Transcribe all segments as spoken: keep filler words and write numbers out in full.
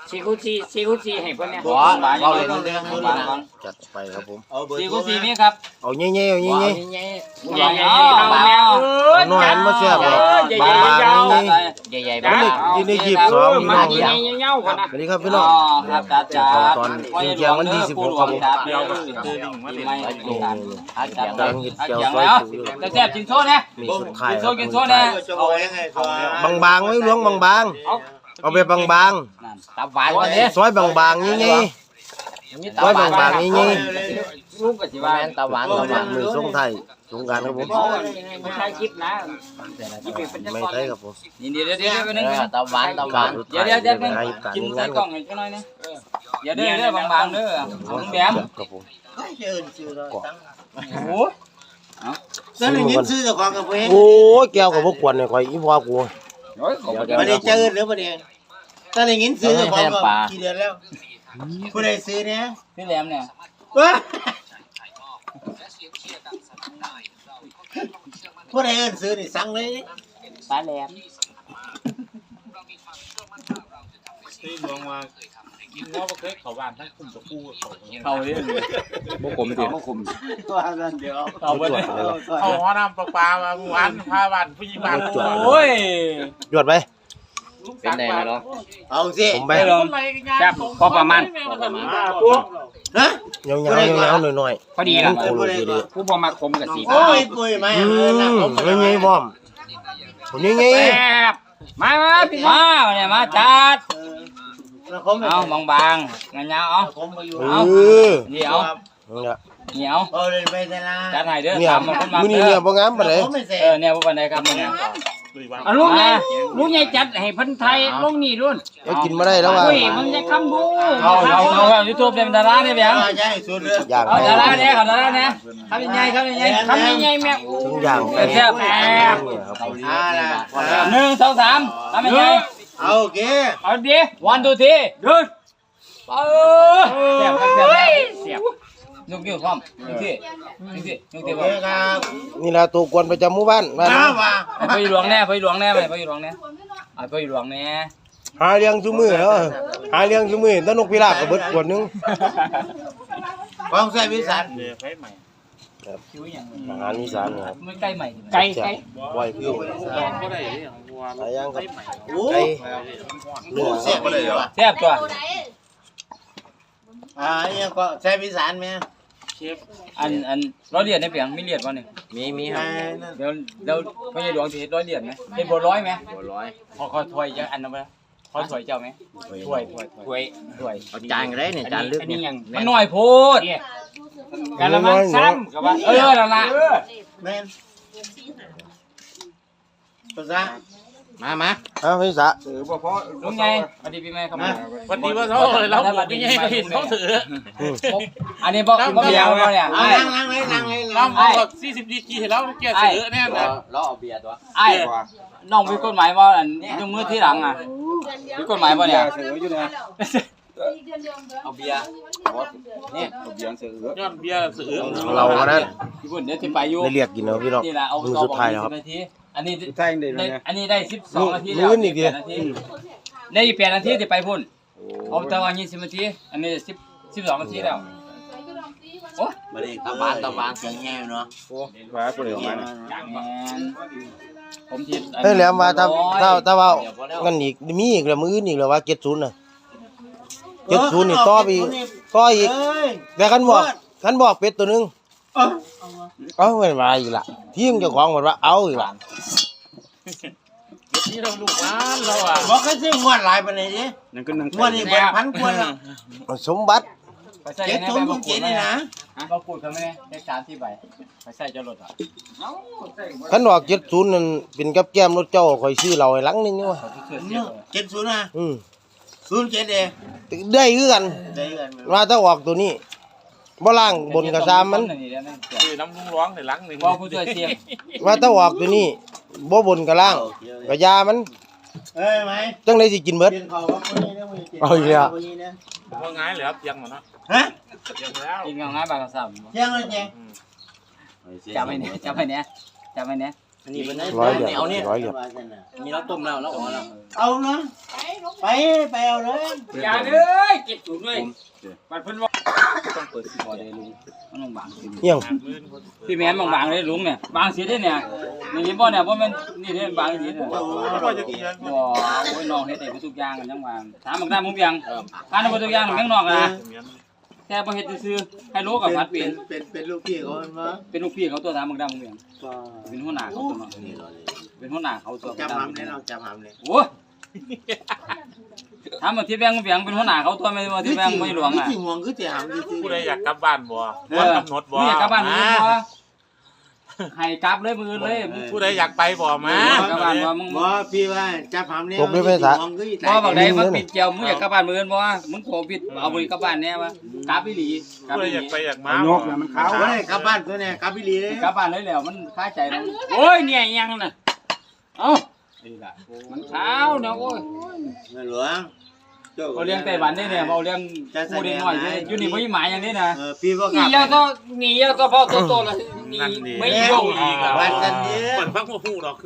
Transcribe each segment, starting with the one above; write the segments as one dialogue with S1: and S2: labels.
S1: สี่คูณสี่สี่คูณสี่ให้เพิ่นเนี่ย
S2: บ่เอาเลยเรื่องนี้นะจัดไปครับผม
S3: สี่คูณสี่นี่ครับ
S2: เอาเงี้ยๆเอาเงี้ย
S1: ใหญ่ใหญ่ใหญ่เอาแม่เอ้ย
S2: ๆน้อยมาเสียบ
S1: ใหญ่ใหญ่
S2: บาง
S1: ยาว
S2: ๆนี่
S1: ใหญ่ใหญ่
S2: มันนี่ในยี่สิบสองพี่
S1: มา
S2: น้อง
S1: ใหญ่ใหญ่ๆกันนะ
S2: สวัสดีครับพี่น้อง
S3: ครับจ้าจ้า
S2: ตอนเที่ยงวันที่สิบหกครับผม
S3: เดี๋ยวก็คือลิงมาเลยอาจารย์
S2: ดังเห็ด
S3: อา
S2: เจียว
S3: จารย์
S2: ซอย
S3: แล้ว
S2: จุ
S3: จะแซ่บกินโซ่เนี่ย
S2: มีสุดท้าย
S3: กิน
S2: ค
S3: โซ่
S2: รับ
S3: กินโซ่เนี่ย
S2: บางๆไว้ล้วงบางๆเอาไปบาง
S3: ตับหวานวันนี้
S2: ๆซอยบางๆงี้ๆซอยบางๆงี้
S1: ลูกก็สิว่า
S3: ตับหวานตับหวาน
S2: ๆมือส่งไทยสงกรารครับผม
S1: ไม่ใช่คลิปนะคลิปเป็น
S2: ไม่ใช่ครับผม
S3: นี่เดี๋ยวเดี๋ยวเดี๋ยวไปนึงตับหวานตับหวานเดี๋ยวเดี๋ยวเดี๋ยวกินใส่กล่องให้จังหน่อยนะเดี๋ยวเดี๋ยวเดี๋ยวบางๆเด้อเอาแหลม
S2: ครับผม
S3: โอ้
S4: ซื้อหนึ่งยิ้มซื้อจากของกับเพื่อน
S2: โอ้ยแก้วกับพวกขวดเนี่ยคอยอีพ่อกู
S4: ประเดี๋ยวเจอหรือประเดี๋ยวถ้าหนึ่งยิ้มซื้อจากของกับกี่เดือนแล้วผู้ใดซื้อเนี่ย
S3: พี่แหลมเนี่ย
S4: ว้าผู้ใดเอิ้นซื้อนี่สั่งเลย
S1: ปลาแหลม
S5: ที่หลวงมากินว่าเคยเขาบ้านทั้งคุมกับคู่เขา
S3: เขาเรื่อง
S2: พวกผมไม่ติด
S4: ว่ากันเดี๋ยว
S3: เขาไปเลย
S5: เขาหัวน้ำปลาปลามาหวานพาบ้านผู้หญิงบ้าน
S3: โอ้ย
S2: หยวดไป
S5: เป็นไงเนาะ
S4: เอาสิ
S2: ผมไป
S1: แซ่บพอประมาณ
S4: ฮะ
S2: เงาๆเงาๆหน่อย
S1: พอดี
S2: ๆ
S1: ละ
S2: โคโลดีดี
S1: ผู้พอมาคมกับสี
S4: โอ้ยปุ้ยไหม
S2: อื
S4: เออหนัก
S2: ม
S4: ผม
S2: เงี้ยๆพร้อมผมเงี้ย
S1: แซ่บมามาพี่น้อง
S3: มาเนี่ยมาจัด
S4: แล้วผม
S3: เอาบางบางงานยาวเอา
S4: ผมมาอยู่
S2: ๆเอ
S3: เอา
S2: อ
S3: เดี๋ยว
S2: เนี่ย
S3: เหนียว
S4: เอาเลยไปแต่ละ
S3: จัดให้เด้อ
S2: เนี่ย
S3: ตามมาคนมา
S2: มื้อนี้
S3: เด้
S2: เนี่
S3: อย
S2: บ่งามปานใด
S4: ผมไม่เสร็จ
S3: เออเนี่ยพวกคนใดครับมึงเนี่ย
S1: เอาลูกใหญ่ลูกใหญ่จัดให้เพิ่นไทยลงนี่รุ่น
S2: เอ้ยกินมาได้แล้วว่ะ
S1: อุ้ยมึงจะคำบู
S3: เอาเอาเอายูทูบเป็นดาราเนี่ยเบียง
S4: ใช่สุดเลย
S2: ย่าง
S3: เอาดาราเนี่ยเขาดาราเนี่ยทำยังไงทำยังไง
S1: คำใหญ่ๆแม่
S2: ถึงย่างไป
S3: แซ่บ
S2: ครับผม
S4: อ่าละ
S3: หนึ่งสองสามทำยังไง
S4: เอาโอเค
S1: เอาดิ
S3: วันดูทีเดินเออ
S1: เสียบครับเสียบเสียบ
S3: ยกนิ้วพร้อมยกที่ยกที่ยก
S4: โอ
S3: ที่
S4: เค
S3: พร้อม
S4: ครับ
S2: นี่ล่ะตัวกวนประจำหมู่บ้านบ้าน
S4: อ้าวว่า
S3: ไปหลวงแน่ไปหลวงแน่ไปไปหลวงแน่ไปหลวงแน่
S2: หาเลี้ยงซุมื้อเนาะหาเลี้ยงซุมื้อแตนกพิราบก็เบิดขวดนึง
S4: ความแซ่บวิสัน
S5: เดี๋ยวไปใหม่
S2: อาหารอีสานครับ
S3: ไม่ใกล้ใหม่
S1: ไก่ไก่
S2: บ่อยคือ
S5: ก็ได้ของวัว
S2: หลายอย่างครับ
S4: โอ้
S2: ไก่เนื้อ
S4: แซ่บไปเลยเหรอ
S3: แซ่บตัว
S4: อ่าเนี่ยก็แซ่บวิสันไหม
S5: เชฟ
S3: อันอันร้อยเหรียญในเปียงมีเหรียญวะเนี่ย
S2: มีมีครับ
S3: เดี๋ยวเดี๋ยวไม่ใช่หลวงจะเห็นร้อยเหรียญไหมเห็นบัวร้อยไหมบัวร้อยขอขอถ้วยจะอันนั้นไปขอถ้วยเจ้าไหมถ้วยถ้วยถ้วยถ้วย
S2: เอาจานก็ได้เนี่ยจานลึก
S1: อัน
S2: เนี่
S1: นี้
S2: ย
S1: ยัง
S3: มันหน่อยโพด
S1: กะละมังซ้ำกับว่า
S3: เออละละ
S4: แม่นภาษา
S3: มามา
S2: อ้าวพี่สะ
S3: ลุงไงสวัสดีพี่แม่ครับ
S5: วันนี้ว่าเขาเราไม่ใช่เขาเห็นเขาถือ
S3: อันนี้บอกบอกเบียร์มาเนี่ย
S4: เอา
S3: ไอ้
S4: นั่งนั่งเลยนั่งเลย
S5: เรา
S4: นั่ง
S5: เอาแบบสี่สิบดีกีให้เราแก่เสือแน่นอน
S3: ไอ้น้องมีกฎหมายว่าอันยกมือที่หลังอ่ะมีกฎหมายป่ะเนี่ยเอาเบียร์นี่
S5: ย้อนเบียร์เสือ
S2: เราก็นั้น
S3: พี่บุญเดี๋ยวที่ไปอยู่
S2: ได้เรียกกินแล้วพี่น้อง
S3: นี่แหละเอา
S2: มือ
S3: ต่อ
S2: สุด
S3: บอก
S2: ท้าย
S3: ยี่
S2: แล้ว
S3: สิ
S2: ครับ
S3: บนาทีอันนี้ได้อันนี้ได้สิบสองนาที
S2: มื้
S3: แล้ว
S2: อนี่ดิ
S3: แปดนาทีได้อีกแปดนาทีที่ไปพุ่นเอาแต่ว่ายี่สิบนาทีอันนี้สิบสิบสองนาทีแล้วโอ้
S4: มาเลยตะวันตะวันเสียงแง่เนาะ
S2: ฟ้าเปลือกมัน
S3: แมนผมทิ
S2: เฮ้ยแหลมว่าถ้าถ้าถ้าว่างั้นอีกมีอีกแล้วมื้ออื่นอีกแล้วว่าเจ็ดศูนย์น่ะเจ็ดศูนย์นี่ต่อไปอีกต่ออีก
S4: เอ้ย
S2: แต่คันบอกคันบอกเป็ดตัวหนึง
S4: เอ้า
S2: เอาเงินมาอีกละทีมเจ้าของบอกว่าเอาอีกละ
S5: นี่เราลูกร้านเราอ่ะ
S4: บอกให้ซื้องวดหลายไปเลยดิงวดนี้เปิดพันกว่าแล้ว
S2: สมบัติ
S3: ไปใส่
S4: เจ็ด
S3: ใน
S4: ศูน
S3: แบ
S4: ย์
S3: บ
S4: ผมเจ็ดนี่นะ
S3: เราพูดกันไหมแค่สามที่ใบไปใส่จะลดอ่ะ
S2: คันบอกเจ็ดศูนย์นั่นเป็นกับแก้มรถเจ้าข่อยซื้อเราให้หลังหนึงนี่วะ
S3: เขาเชื่อเสีย
S4: เจ็ดศูนย์นะ
S2: อืม
S4: ศูนย์เจ็ดเอง
S2: ได้คือกัน
S4: ได้กัน
S2: ว่าถ้าออกตัวนี้บ่ล่างบนกระซามมัน
S5: คือน้ำลุงร้องในลังหนึ่ง
S3: ว่าผู้ช่วยเสียง
S2: ว่าถ้าออกตัวนี้บ่บนกระล่างกระยามัน
S4: เอ้ยไหม
S2: จังได๋สิกินเบิด
S4: กินข้าวกับคนนี้นะมึงกิน
S2: เอาอีกแล้ว
S4: คนนี้นะ
S5: ว่าง่ายเหรอเพียงหมดเนาะ
S4: ฮะ
S5: เพียงแล้ว
S3: กินง่ายบางกระสับ
S4: เที่ยงเลยเจ๊
S3: จำไว้เนี่ยจำไว้เนี่ยจำไว้เนี่ย
S4: อันนี้เป็นได้
S2: ร้อยเหรียญ
S4: เอาเนี่ย
S2: ร้อยเหรียญ
S3: มีเราต้มแล้วเราอ๋อแล้ว
S4: เอาเนาะไปไปเอาเลย
S1: อย่าเลยเก็บถุงด้วยปัดเพิ่นว่า
S3: ต้องเปิดสิพอได้ลุงมันต้องบางสิ
S2: เฮียง
S1: พี่แม่นบางๆเลยลุงเนี่ยบางสิได้เนี่ยนี่เห็นบ่เนี่ยบ่แม่นนี่เด้บางสิเนี่ย
S5: ก็จะกิน
S1: บ่โอ้ยน้องเฮ็ดได้ทุกอย่างกันจังว่าถามบางด้านมึงยังถามบ่ทุกอย่างแม่งน้องนะแค่บ่เฮ็ดซื่อๆให้รู้กับพัดเป็น
S4: เป็นเป็นลูกพี่เขามา
S1: เป็นลูกพี่เขาตัวถามบางด้านมึงยังเป็นหัวหน้าเขาตัวเนาะเป็นหัวหน้าเขาตัว
S4: จับหำเลยเราจับหำเลย
S1: โอ้ยถามว่าที่แบงค์เบียงเป็นหัวหน้าเขาตัวไม่ว่าที่แบงค์ไม่หลวงอ่ะ
S4: ที่ห่วงคือที่หำจริง
S5: ผู้ใดอยากกลับบ้านบ่บ่กำหนดบ่
S1: นี่อยากกลับบ้านมือบ่ให้กลับเลยมือเลย
S5: ผู้ใดอยากไปบ่มา
S1: กลับบ้านบ่มึง
S4: บ่พี่ว่าจับหำเนี่ย
S1: บ่บักใดมาปิดเจียวมึงอยากกลับบ้านมือบ่มึงโผปิดเอามือกลับบ้านแน่วะกลับอีหลีกลับ
S5: ผู้ใด
S1: อีห
S5: อยา
S1: ลี
S5: กไปอยากมา
S3: โยกเนี่ยมันขาว
S4: เอาเลยกลับบ้านตัวเนี่ยกลับพี่ลีเลย
S1: กลับบ้านเลยแล้วมันคาใจแล้วโอ้ยเนี่ยยังน่ะเอ้ามันเช้าเนาะโอ้ย
S4: แม่หลวง
S1: เขาเลี้ยงไต้หวันนี่เนี่ยเขาเลี้ยงผู้เด็กน้อยอยู่นี่บ่มีหมายอย่างนี้นะ
S4: เออพี่บ่ก
S1: นี่
S4: ลับ
S1: ยาก็นี่ยาก็พอโตๆแล้วนี่ไม่ยงอีกอ่ะ
S4: วันกันนี้
S5: เปิดพักบ่ฮู้ดอก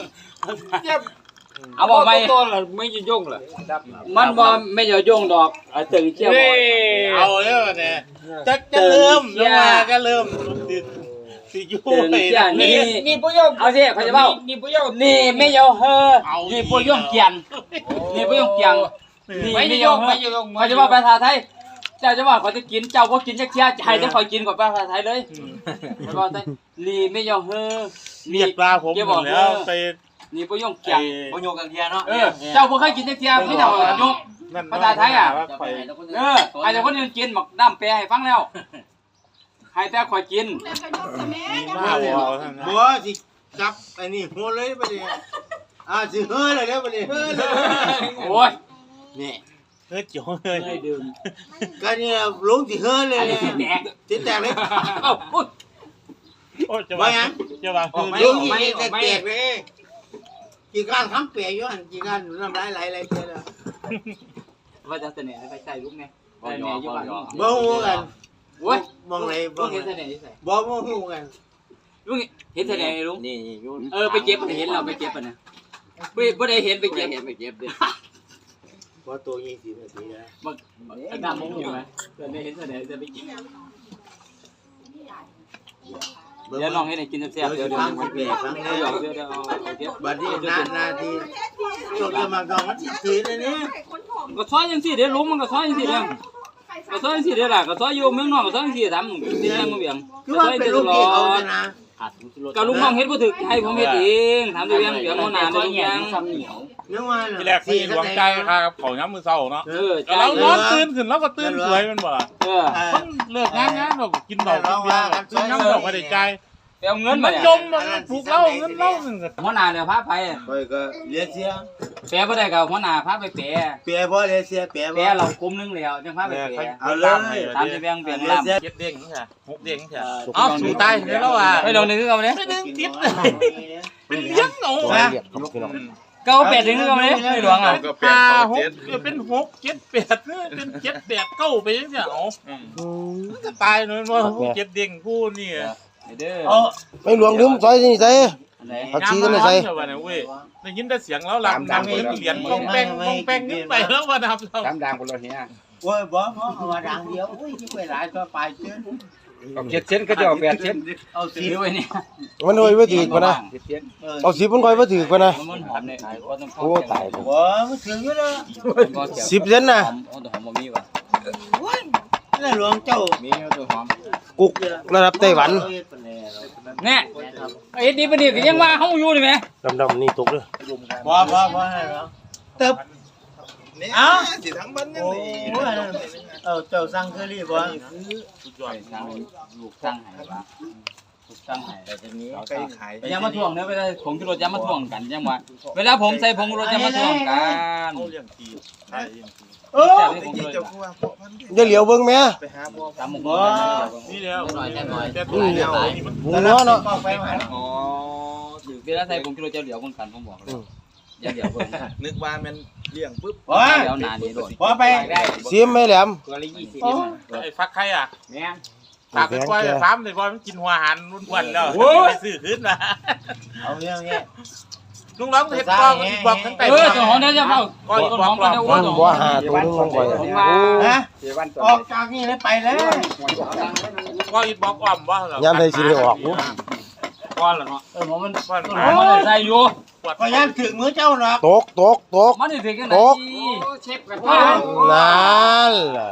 S1: เอาบอกไม่โตๆแล้วไม่ยงล่ะมันบ่ไม่จะยงดอกเอาตึงเชี่ยวบ่
S5: เอาแล้วเนี่ยจะจะเริ่มแล้วมาก็เริ่มสิอยู่
S1: ตึงเชี่ยนี่นี่บ่ยงเอาสิเขาจะเว้านี่บ่ยงนี่ไม่ยงเฮอนี่บ่ยงเกียนนี่บ่ยงเกียงนี่ไม่ยงไม่ยงเขาจะว่าภาษาไทยเจ้าจะว่าเขาจะกินเจ้าบ่กินจักเที่ยให้แต่คอยกินก่อนภาษาไทยเลยบ่ได้นี่ไม่ยงเฮอ
S5: เรียกปลาผมหมดแล้วไป
S1: นี่บ่ยงเกียง
S3: บ่โยกกันเทียเนาะ
S1: เออเจ้าบ่เคยกินจักเที่ยไม่เจ้ายก
S5: นั่น
S1: ภาษาไทยอ่ะ
S5: ไป
S1: เออไอ้เจ้าคนอื่นกินบักน้ำแปรให้ฟังแล้วให้แต่ข่อยกิน
S5: มีมาบ่ท่านนะ
S4: บ่สิจับอันนี้หัวเลยบัดนี้อ่าสิเฮ้อเลยแล้วบัดนี้เฮ้อเลย
S1: โอ้ย
S4: นี่
S5: เฮ้ยจ๋อเลย
S1: เคยดื่ม
S4: ก็นี่ลงสิเฮ้อเลย
S1: อันนี้
S4: เนี่ย
S1: สิแตก
S4: สิแตกเลย
S1: เอ้าอุ๊ย
S5: โอ้จะว่าจะว่าคือ
S4: ลงสิแตกแตกเลยกี่การคำเปียอยู่หั่นกี่การน้ำลายไหลไหลเจอแล้ว
S1: ว่าจะเสนอให้ไปใส่ลูกแม่ใส่แม่อยู่บ้าน
S4: บ่ฮู้กัน
S1: โอ้ย
S4: มองไหน
S1: ลู
S4: บ่
S1: กเห็นเสนอใส่
S4: บ่บ่ฮู้กัน
S1: ลูกเห็นเสนอลูก
S3: นี่อยู่
S1: เออไปเก็บเห็นเราไปเก็บอ่ะนะบ่บ่ได้เห็นไปเก็บ
S3: เห็นไปเก็บดิ
S4: บ่ตัวยี่สิบนาทีแล้ว
S1: บักน้ำมงอยู่ไหมเสนอเห็นเสนอจะไปกินเดี๋ยวน้องให้ได้กินแซ่บๆเดี๋ยวเดี๋ยว
S4: ฟังสิแปลฟัง
S1: เดี๋
S4: แล้
S1: ยว
S4: ว
S1: เดี๋ยวเดี๋ยวเก็บ
S4: บัดนี้นานาทีจบจะมาก่อนมันสิทีเลยนี่
S1: ก็ซอยจังซี่เดี๋ยวลุงมันก็ซอยจังซี่เด้อก็ซอยจังซี่เด้อล่ะก็ซอยอยู่เมืองนอกก็ซอยจังซี่ทำที่แรงมาเบียง
S4: คือว่าเป็นลูกพี่เขาจะนะ
S1: ก็ลุงน้องเฮ็ดบ่ถึกให้ผมเฮ็ดเองถามที่เบียงเบียงหัวหน้าได้ทุกอย่าง
S4: นึกว่า
S5: ที่แรกพี่หลวงใจครับเขาย้ำมือเศร้าเนาะ
S1: เออ
S5: แล้วนอนตื่นขึ้นแล้วก็ตื่นสวยมันบ่
S1: เออ
S5: มันเลิกงานงานเรากินดอกกินเบียร์ซื้อน้ำดอกไม่ได้ใจ
S1: ไปเอาเงิน
S5: มั
S1: มาน เนี่ย
S5: จมมันปลูกเหล้าเงินเหล้าหนึ่ง
S1: หัวหน้าเนี่ยพาไป
S4: ไปก็เลียเสีย
S1: แปะบ่ได้ก็หัวหน้าพาไปแปะ
S4: เปียบ่เลียเสียเปียบ่
S1: แปะเรากลุ่มนึงแล้วจังพาไปแปะ
S4: เอาเลย
S1: ตามที่เบียงเบียงลำ
S5: เจ็ดเด้งใช่หกเด้งใช่อ๋อสูตายแล้วอ่ะ
S1: เฮ้ยลองนึงคือเอาเด้
S5: ไม่ดึงติดเป็นเลี้ยงเอา
S2: ร้อย
S5: ฮะ
S2: เหรียญครับพี่น้อง
S1: ก็เอาแปดถึงคือเอาเด้ไม่หลวงอ่ะ
S5: ห้าหกเป็นหกเจ็ดแปดเป็นเจ็ดแปดเก้าไปยังไงอ๋อมันจะตายเลยว่าเจ็ดเด้งคู่นี่
S1: เด้อ
S4: เอา
S2: ไม่หลวงลืมซอยนี่ใส่
S1: อันไหน
S2: ผักชีก็ไม่ใส่
S5: เว้ยได้ยินแต่เสียงแล้วหลังดังเหรียญปองแป้งปองแป้งขึ้นไปแล้วว่าดับเรา
S3: ตามดังคนเราเฮีย
S4: โอ้ยบ่บ่เอามาดังเดียวอุ้ยที่ไปหลายตัวไปเกิน
S3: เอาเจ็ดเส้นก็จะเอาแปดเส้น
S4: เอาสิ
S1: ซื้อไว้เนี่ย
S2: มันโอยว่าถือกว่านะ
S3: เจ็ดเส้น
S2: เอาสิบมันค่อยว่าถือกว่านะ
S1: มันหอมเนี่ยว่าต้อง
S2: โอ้ตายเลย
S4: บ่มันถึงอยู่แล้ว
S2: สิบเซนนะ
S1: หอมโอ้แต่หอมบ่มีว่ะ
S4: นี่หลวงเจ้า
S3: มีตัวหอม
S2: กุกระดับไต้หวัน
S1: แน่ไอ้ดีปะนี่ก็ยังว่าเฮาอยู่นี่แหม
S2: ดำๆนี่ตกเลย
S4: บ่บ่บ่ให้หรอกตึบเอ้าสิทั้งบ้านนี่เออเจ้าสั่งเคอรี่บ่
S5: สุดยอด
S1: สร้างลูกสร้างให้ว่ะลูกสร้างให้
S3: แต่ทีนี้
S5: ใกล้ขาย
S1: อย่ามาทวงเด้อเวลาผงชูรสอย่ามาทวงกันจังว่าเวลาผมใส่ผงชูรสอย่ามาทวงกัน
S5: เขาเลี้ยงทีใช่เลี้ยงที
S4: เออ
S1: แต่ผงชูรส
S2: อย่าเหลียวเบิ่งแม่
S1: ตามหมู่
S4: บ่
S5: นี่แล้ว
S3: หน่อยแค่หน่อย
S5: แต่ตัวเดียวมัน
S2: หูเนาะเนาะ
S4: ไปมา
S1: อ๋อเวลาใส่ผงชูรสจะเหลียวคนกันผมบอกเลยอย่าเหลียวเบิ่ง
S5: นึกว่ามันเลี้ยงปุ๊บ
S4: บ่
S1: เดี๋ยวหน้านี้โดด
S4: บ่ไป
S2: เสียมไม่แหลม
S1: ตัวละยี่สิบ
S5: ไอ้ฟักใครอ่ะ
S1: แม่น
S2: โ
S5: ฝากไปปล่อยฟาร์มเลยว่ามันกินหัวหันรุ่นวันแล้วไปซื้อขึ้นมา
S4: เอาเงี้ยเงี้ย
S5: ลุงร้องเห็ดบอกบอกทั้งแต่
S1: เออเจ้าของได้จะเฝ้า
S5: ก็อีก
S1: เจ้า
S5: บ
S1: ข
S5: อ
S1: อก ง
S5: บ
S1: ก็
S5: อก
S1: จะ
S5: บ
S1: โอ้
S5: อก
S1: เจ้าข
S2: บ่
S1: อง
S2: หาตัวนึงลงไปโอ้
S4: ฮะออกจากนี่แล้วไปแล้ว
S5: ก็อีกบอกอ่อมว่าเหรอย
S2: ามใดสิได้ออกกู
S5: ก้อนเหรอเนาะ
S1: เออมัน
S5: ก้อน
S1: ต้นหอมมันใส่อยู่
S4: ก็ยันถึงมือเจ้าหรอก
S2: ตกตกตก
S1: มันสิถึงกันไหนเชฟกัน
S2: นั่นล่ะ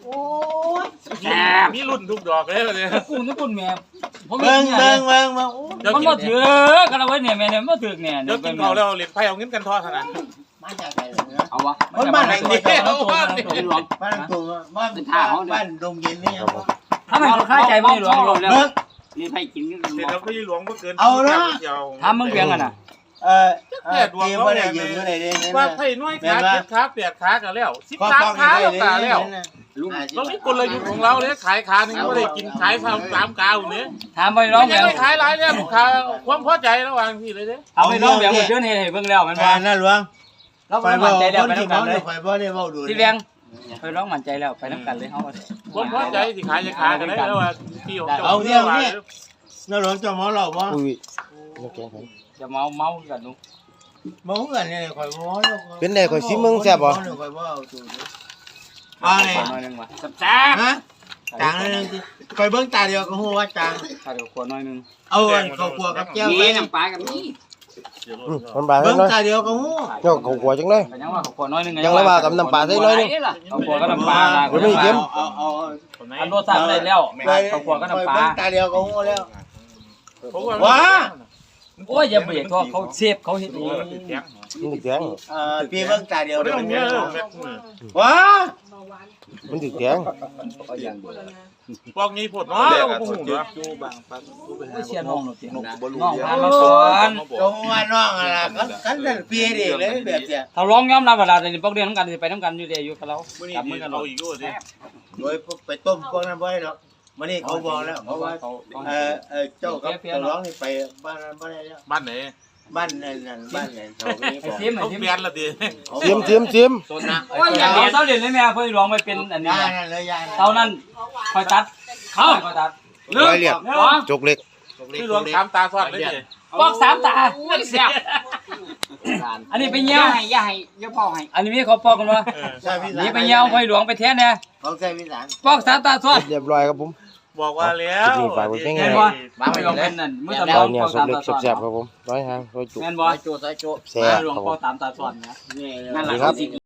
S5: มีรุ่นทุกดอกเลยเลย
S1: กูนี่คุณแม่ผม
S4: เบิ่งเบิ่งเบิ่งมาโอ้
S1: มันบ่ถือกันเอาไว้เนี่ยแม่เนี่ยบ่ถือเนี่ย
S5: เดี๋ยวกินเขาแล้วเหรียญไพ่เอาเงินกันทอดขนาด
S4: มาจากไหนเนี่ย
S1: เอาวะ
S4: คนบ้านไหนเนี่ย
S1: เอาตัวมันตัวหลวง
S4: บ้านตุงบ้านบ้านดงเย็นนี่ครับ
S1: ถ้ามันเขาคล้ายใจไม่หลวงหลวงแล้ว
S4: เบิ่ง
S1: นี่ให้กินกัน
S5: เดี๋ยวพี่หลวงก็เกิน
S1: ทำมึงเบียงกันน่ะ
S4: เออเออเกี่ยวไม่ได้ยืมไม่ได้เด้ง
S5: ว่าไพ่น้อยขาเจ็ดขาแปดขากันแล้วสิบสามขาแล้วตาแล้วตรงนี้กลยุทธ์ของเราเลยขายขาหนึ่งก็ได้กินขายสามสามกาวเนี่ย
S1: ถามไปร้อง
S5: ไม่
S1: แบ
S5: ได้
S1: บ
S5: ขายหลายเนี่ยลูกค้าความพอใจระหว่างพี่เลยเด้
S1: เอาไปร้องแบบเชิญให้เบิ่งแล้วมัน
S4: กา
S1: ว่า
S4: รนั่นหลวง
S1: เรา
S4: ไฟ
S1: ไป
S4: บ่
S1: มั่นใจแล้ว
S4: คน
S1: ไป
S4: ที่
S1: น้ำ
S4: เมา
S1: กันเล
S4: เนี่ย ยไฟบ่ได้เว้าดู
S1: ที่เบียงไปร้องมั่นใจแล้วไปน้ำกันเลยเฮา
S5: ความพอใจที่ขายจะขายกันได้แล้วว่าพี่ของเจ้า
S4: นั่นหลวงเจ้าเมาเหล้าบ่
S2: อุ้ยน้ำแข็งไผ
S1: จะเมาเมากันนุ
S4: เมากันเนี่ยข่อยบ่
S2: เป็นได้ข่อยสิมึงแซ่บบ่
S4: ข่อยบ่เอาตัวมาเลย
S1: น้อยนึงว่ะแซ่บ
S4: ฮะจางนึงสิข่อยเบิ่งตาเดียวก็ฮู้ว่าจาง
S1: ถ้าเดี๋ยวขวดน้อยนึง
S4: เอาข้าวคั่วกับแก้วไป
S1: น้ำปลากับนี่
S2: อืมมันบาด
S4: เบิ่ง
S2: น้อย
S4: ตาเดียวก็ฮู้
S2: เนาะเขาหัวจังเลย
S1: ยังว่าขวดน้อยนึง
S2: ยังละว่ากับน้ำปลาใส่น้อยนึง
S1: เอาขวดก็น้ำปลา
S2: เดี๋ยวไม่เค็ม
S4: เอาเอา
S1: อันรสชาติได้แล้วเอาขวดก็น้ำปลา
S4: เบิ่งตาเดียวก็ฮู้แล้ว
S5: ว้า
S1: โอ้ยอย่าเบียดเขาเขาเชฟเขาเฮ็ดเอง
S2: มันถึกแข็ง
S4: เอ่อพี่เบิ่งตาเดียว
S5: ไม่ต้องเยอะ
S4: ว้า
S2: มันถึกแข็ง
S5: พวกนี้ผดเนาะเราก็หูเนาะ
S1: เชียร์น้องหนูเสียงน้องพามาก่อน
S4: จงว่าน้องอะไรกันกันนั่นพี่เด็กเลยแบบเนี้ย
S1: ถ้าร้องยอมรับเวลาในพวกเรียนน้ำกันไปน้ำกันอยู่เดียวอยู่กับเรา
S5: มื่อนี้
S1: จับมือกัน
S5: เอาอีกด้วยสิ
S4: โดยไปต้มพวกนั้นบ่ได้หรอกมื้อนี้เขาบอกแล้วเพราะว่าเอ่อเอ่อเจ้ากับเจ้าร้องนี่ไปบ้านนั้นบ่ได้แล้ว
S5: บ้านไหน
S4: บ้านนั่นนั่นบ้านนั่นเขาไม่
S1: ไอ้
S4: บอก
S1: ซิมไอ้
S5: เขา
S1: ซิม
S5: เปลี่ยนละดิ
S2: เทียมเทียมเทียม
S5: ต้นนะ
S1: โอ้ยอย่าเดี๋ยวเสาเรียนเลยแม่เพื่อร้องไปเป็นอันนี้
S4: ยานั่นเลยยา
S1: เท่านั้นคอยตัดเขาคอยตัด
S2: ร้อยเรียบจกเล็ก
S5: พี่หลวงถามตาทอดเลยดิ
S1: ปอกสามตาเสียบอันนี้ไปเงี้ยวให้ย่าให้ย่าพ่อให้อันนี้มีเขาปอกกันวะ
S4: ใช่พี่สาร
S1: นี่ไปเงี้ยวคอยหลวงไปแท้เนี่ย
S4: เขาใช่พี่สาร
S1: ปอกสามตาทอด
S2: เรียบร้อยครับผม
S5: บอกว่าแล้ว
S1: แม่นบ่มาไปลองเป็นนั่นมือตะล
S2: เรา
S1: อง
S2: เนี่ย
S1: ปอก
S2: สุ
S1: สาก ม
S2: เล็ก
S1: ตาทอด
S2: แซ่บๆครับผมร้อยหางร้อยจุก
S1: แม่นบ่
S4: โจใส่โจ
S2: แซ่บ
S1: หลวง
S2: ครับ
S1: ป
S2: ผ
S1: อก
S2: ม
S1: สามตาทอดนะนั่นแหละ
S2: ครับ